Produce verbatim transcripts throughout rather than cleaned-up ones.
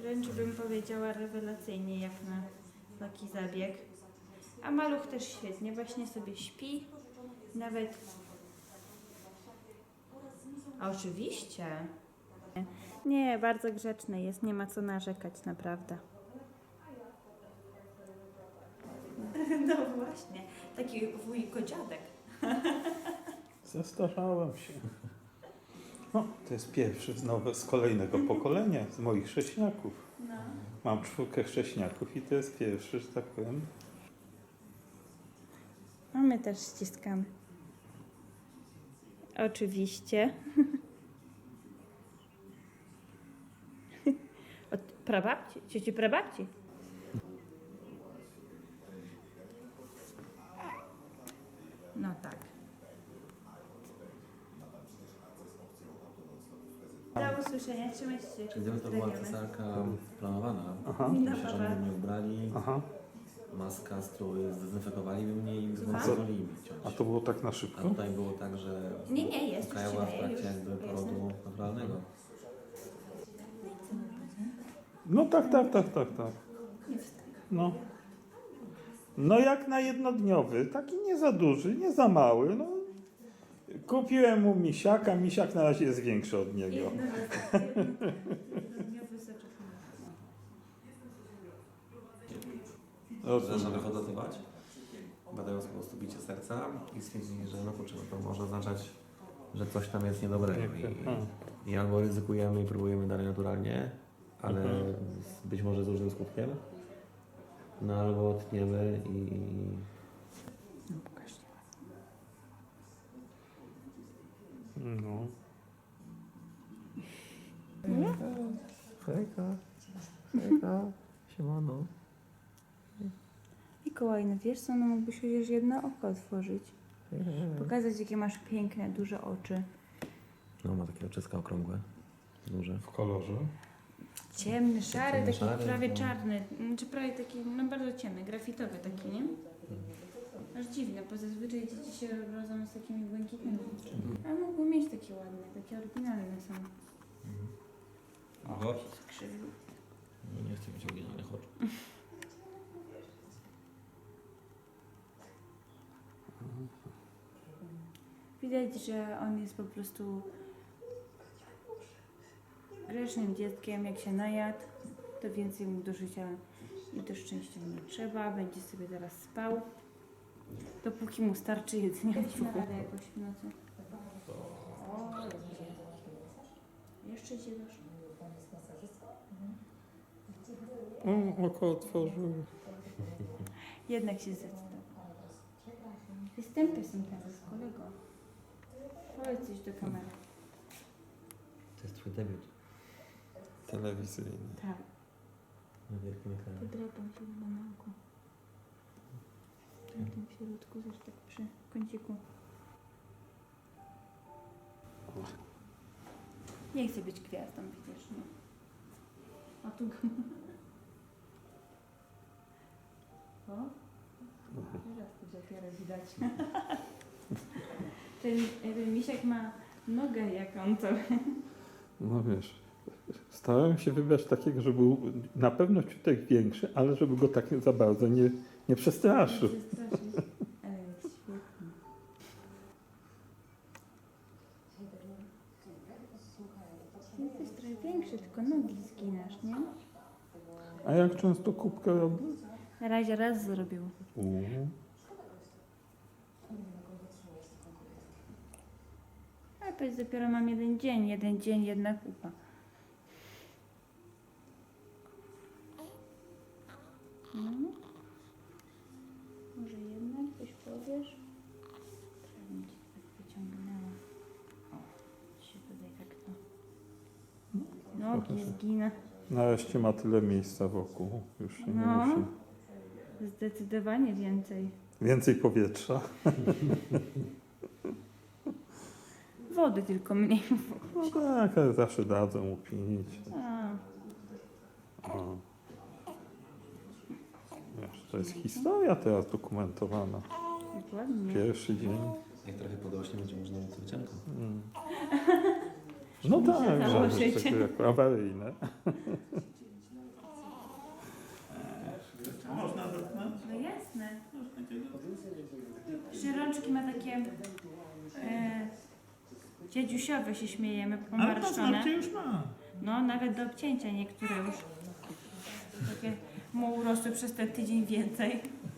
Wręcz bym powiedziała rewelacyjnie jak na taki zabieg. A maluch też świetnie, właśnie sobie śpi. Nawet... A oczywiście. Nie, bardzo grzeczny jest, nie ma co narzekać, naprawdę. No właśnie, taki wujko-dziadek. Zestarzałem się. No, to jest pierwszy z, nowe, z kolejnego pokolenia, z moich chrześniaków. No. Mam czwórkę chrześniaków i to jest pierwszy, że tak powiem. A my też ściskamy. Oczywiście. Od prababci, cioci prababci. No tak. Do usłyszenia, trzymajcie się. Czyli gdyby to była cesarka planowana, Aha. to się żony mnie ubrali, Aha. maska, strój, zdezynfekowaliby mnie i pozwolili mi ciąć. A to było tak na A szybko? tutaj było tak, że Nie, nie, jest, już Kajała w ci daję, trakcie już. jakby porodu naturalnego. No tak, tak, tak, tak, tak. No. No jak na jednodniowy, taki nie za duży, nie za mały, no. Kupiłem mu misiaka, misiak na razie jest większy od niego. Jednodniowy soczek. Zaczynamy hodotywać, badając po prostu bicie serca i stwierdzili, że no kurczę, no to może oznaczać, że coś tam jest niedobrego i, i albo ryzykujemy i próbujemy dalej naturalnie, ale Mhm. z, być może z różnym skutkiem, no albo tniemy i No pokaż. No. hejka, hejka, siemano. Mikołaj, no wiesz co, no mógłbyś chociaż jedno oko otworzyć. Pokazać, jakie masz piękne, duże oczy. No ma takie oczyska okrągłe, duże. W kolorze? Ciemny, szary, Ciemny, taki szary, prawie no. czarny, czy prawie taki, no bardzo ciemny, grafitowy taki, nie? Aż dziwne, bo zazwyczaj dzieci się rodzą z takimi błękitnymi. A mógłby mieć takie ładne, takie oryginalne są. Oho. Skrzywił. No nie chcę mieć oryginalnych oczu. Widać, że on jest po prostu grzecznym dzieckiem. Jak się najadł, to więcej mu do życia i do szczęścia nie trzeba. Będzie sobie teraz spał, dopóki mu starczy jedzenia w brzuchu. Jakoś w nocy. O, idzie. Jeszcze się dasz. O, oko otworzył. Jednak się zdecydował. Jestem pesem teraz, kolego. Powiedz coś do kamery. To jest twój debiut Telewizyjny. Tak. na wielkim ekranie. Podrapam się chyba na oku. Na tym w środku, też tak przy kąciku. Nie chcę być gwiazdą, widzisz, no. A tu go... O? Teraz to dopiero widać. Ten, ten misiak ma nogę jaką to. No wiesz, starałem się wybrać takiego, żeby był na pewno ciutek większy, ale żeby go tak za bardzo nie, nie przestraszył. Nie przestraszyć. Ale jest świetny. Jesteś trochę większy, tylko nogi zginasz, nie? A jak często kubkę robi? Na razie raz zrobił. Uuu. A powiedz, dopiero mam jeden dzień, jeden dzień, jedna kupa. No. Może jednak coś powiesz? Trzeba mi cię tak wyciągnęła. O, się tutaj tak to... Nogi zgina. Nareszcie ma tyle miejsca wokół. Już się No. nie musi. Zdecydowanie więcej. Więcej powietrza. Wody tylko mniej. No tak, ale zawsze dadzą mu pić. A, O. Wiesz, to jest historia teraz dokumentowana. dokładnie. Pierwszy dzień. Jak trochę podrośnie, będzie można mieć wyciągnąć. Mm. No tak, że założyć. jest takie jako awaryjne. Dziedziusiowe się śmiejemy, Ale pomarszczone. paznokcie już ma. No, nawet do obcięcia niektóre już. Takie mu urosły przez ten tydzień więcej.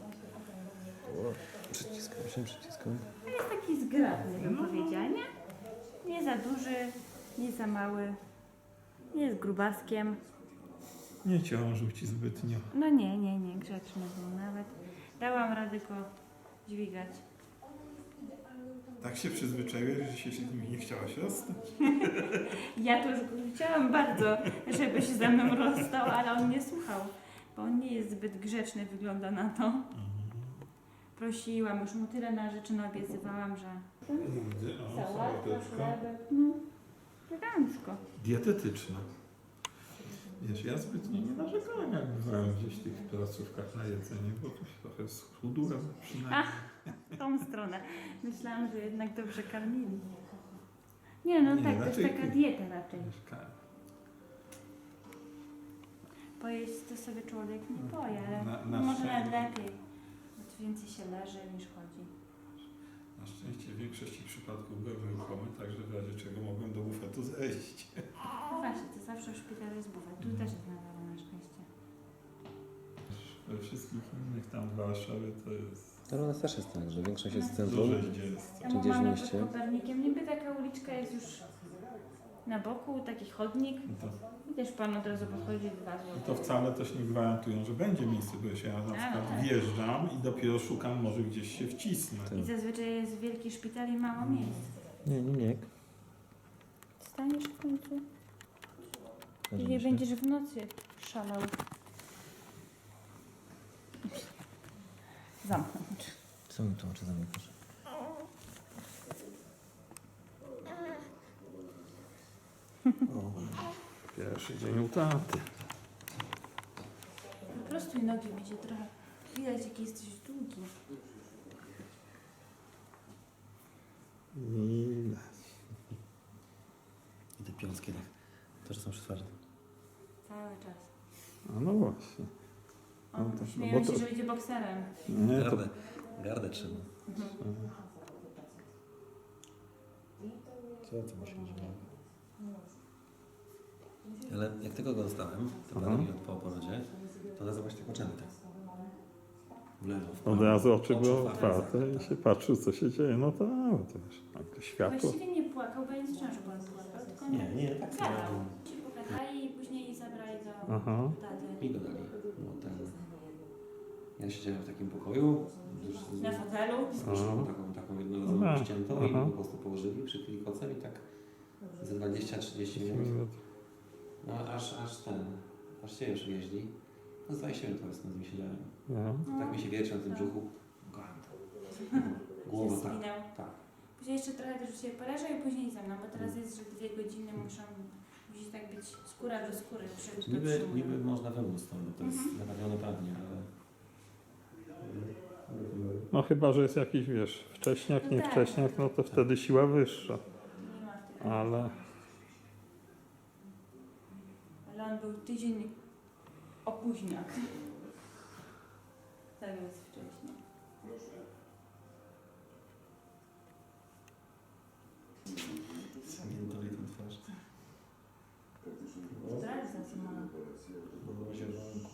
Przyciskam się, przyciskam. Jest taki zgrabny, bym powiedziała, nie? Nie za duży, nie za mały. Nie jest grubaskiem. Nie ciążył ci zbytnio. No nie, nie, nie, grzeczny był nawet. Dałam radę go dźwigać. Tak się przyzwyczaiłeś, że się z nimi nie chciałaś rozstać? Ja to już go chciałam bardzo, żeby się ze mną rozstał, ale on nie słuchał. Bo on nie jest zbyt grzeczny, wygląda na to. Prosiłam, już mu tyle na rzeczy naobiecywałam, że... Widzę, o, sałateczka. chlebek, no, elegancko. Dietetyczna. Wiesz, ja zbytnio nie narzekałem, jak bywałem gdzieś w tych placówkach na jedzenie, bo to się trochę schudłem przynajmniej. W tą stronę. Myślałam, że jednak dobrze karmili. Nie, no Nie, tak, to raczej jest taka ty. dieta raczej. Mieszkałem. Pojeść to sobie człowiek nie poje, ale Na- na może nawet szczęście. lepiej. Bo tu więcej się leży niż chodzi. Na szczęście w większości przypadków byłem ruchomy, także w razie czego mogłem do bufetu zejść. No właśnie, to zawsze w szpitalu jest bufet. Tu też jest na dole, na szczęście. We wszystkich innych tam w Warszawie to jest Ale u nas też jest tak, że większość jest w duże centrum. zdzielstwo. Tam gdzieś w mamy mieście? pod Kopernikiem. Niby taka uliczka jest już na boku, taki chodnik. I to, I też pan od razu podchodzi dwa i złote. to wcale też nie gwarantują, że będzie miejsce, bo ja na przykład tak. wjeżdżam i dopiero szukam, może gdzieś się wcisnę. Tak. I zazwyczaj jest wielki szpital i mało miejsc. Nie, nie, nie. Staniesz w końcu? Zdarza I nie mi się. będziesz w nocy szalał. Zamknąć. Co mi to oczy zamykasz? Pierwszy dzień u taty. Po prostu i nogi będzie trochę. Widać, jaki jesteś długi. Ile? I te piąski tak. Też są przytwarde. Cały czas. A no właśnie. On No to- no śmieją bo się, to- że będzie bokserem. Nie, to... Gardę. Gardę trzyma. Co to musi być? Ale jak tylko go dostałem, to Aha. parę minut po porodzie, to od razu właśnie tak oczami tak. W lewo, w prawo. Od razu oczy były otwarte. otwarte i się patrzył, co się dzieje. No to, no, to wiesz, takie światło. Właściwie nie płakał, bo ja nie słyszałam, że pan płakał, tylko Nie, nie, tak samo. gadał. Się pogadali i później zabrali do Aha. taty. Mi go dali. No, ten. Ja siedziałem w takim pokoju, już z, Na fotelu. z koszulą Aha. taką, taką jednorazową Aha. ściętą i Aha. po prostu położyli, przykryli kocem i tak ze dwadzieścia trzydzieści minut. No aż, aż ten, aż się już wieźli. No z dwadzieścia minut powiedzmy z nim siedziałem. No. Tak mi się wiercił na tym brzuchu. Kocham to. Głowa Się tak. spinał. Tak. Później jeszcze trochę też się poleżał i później ze mną, bo teraz jest, że dwie godziny muszą, musi tak być skóra do skóry. Przy, Niby, dotrzymują. niby można wymóc to, bo to jest Mhm. naprawione prawnie, ale... No chyba, że jest jakiś, wiesz, wcześniak, No nie tak. wcześniak, no to wtedy siła wyższa. Nie ma w tych. Ale Ale on był tydzień opóźniak. Tak jest wcześniej. Zamiętoli tą twarz. Zdradza co ma. Było zielonko.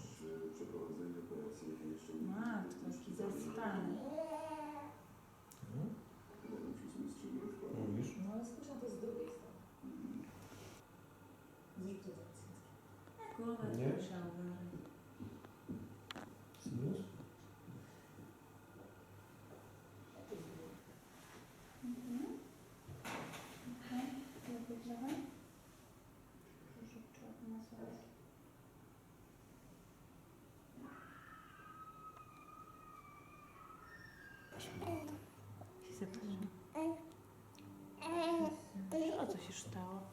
Matko, jaki zaspany. Mówisz? No ale słyszę to z drugiej strony. Głowę Nie. słyszał. Sinus? Mhm. Okej, lepiej trochę. Proszę czuć masować. Się zapraszam. O co się stało?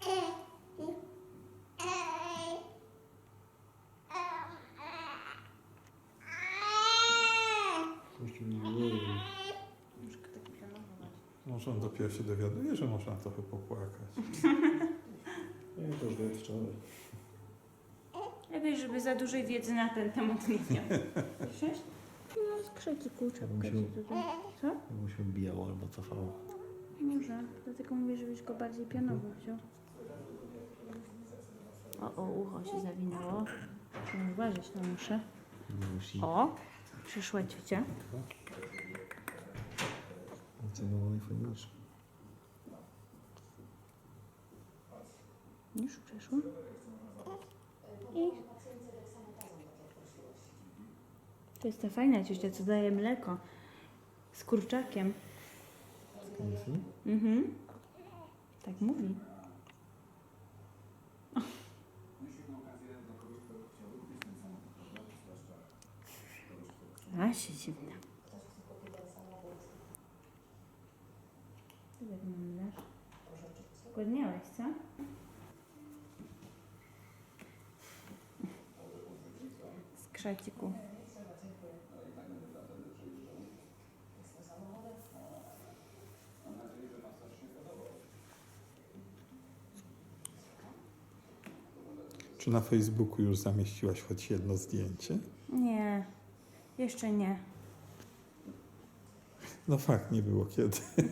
Troszkę tak planować. może on dopiero się dowiaduje, że można trochę popłakać. Nie, to już wiem wczoraj. Lepiej, żeby za dużej wiedzy na ten temat nie miał. Słyszysz? No, skrzeki kurczę. Ja bym się- Co? Mu się bijało albo cofało. Może, dlatego mówię, żebyś go bardziej pionowo wziął. O, o, ucho się zawinęło. Muszę uważać na muszę. Musi. O, przyszła ciocia. Co było najfajniejsze? Już przeszło. I to jest ta fajna ciocia, co daje mleko z kurczakiem. Mhm. Tak mówi. A się dziwna. Co tak mam dasz? Zgłodniałeś, co? Z krzaciku. Czy na Facebooku już zamieściłaś choć jedno zdjęcie? Nie, jeszcze nie. No fakt, nie było kiedy.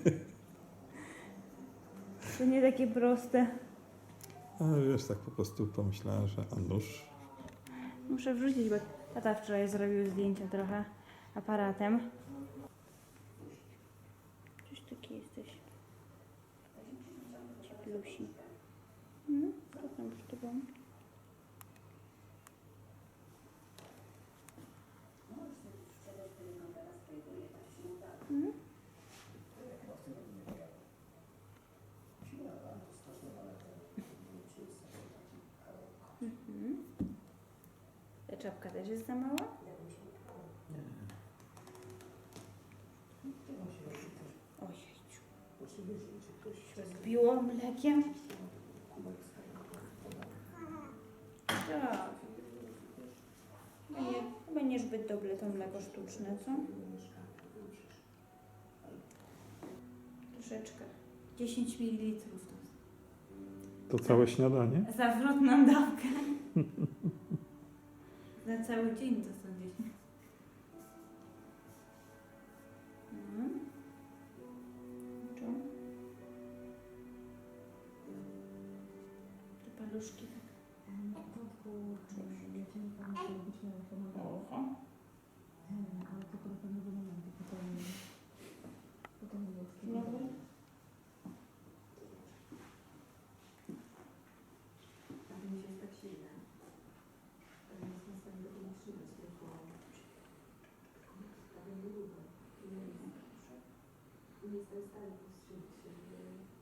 To nie takie proste. Ale wiesz, tak po prostu pomyślałem, że a nuż. Muszę wrzucić, bo tata wczoraj zrobił zdjęcia trochę aparatem. Coś taki jesteś. Cieplusi. No, co tam z tobą? Mhm. Mhm. Ta czapka też jest za mała? Ojejciu. Się zbiło mlekiem? Tak. Chyba nie, chyba niezbyt dobre to mleko sztuczne, co? Troszeczkę. dziesięć mililitrów to To całe śniadanie? zawrotną dawkę. Na cały dzień to są dziesięć. Mhm. Czemu? Te paluszki tak. Na początku ja cię nie pamiętam, myślałam, że to mam Oho. ale to do pewnego momentu, potem, potem już. Znowu? A to mi się jest tak silne. To nie jest na stanie do tego trzymać, tylko prawie nie lubię. Nie jestem w stanie powstrzymać się, żeby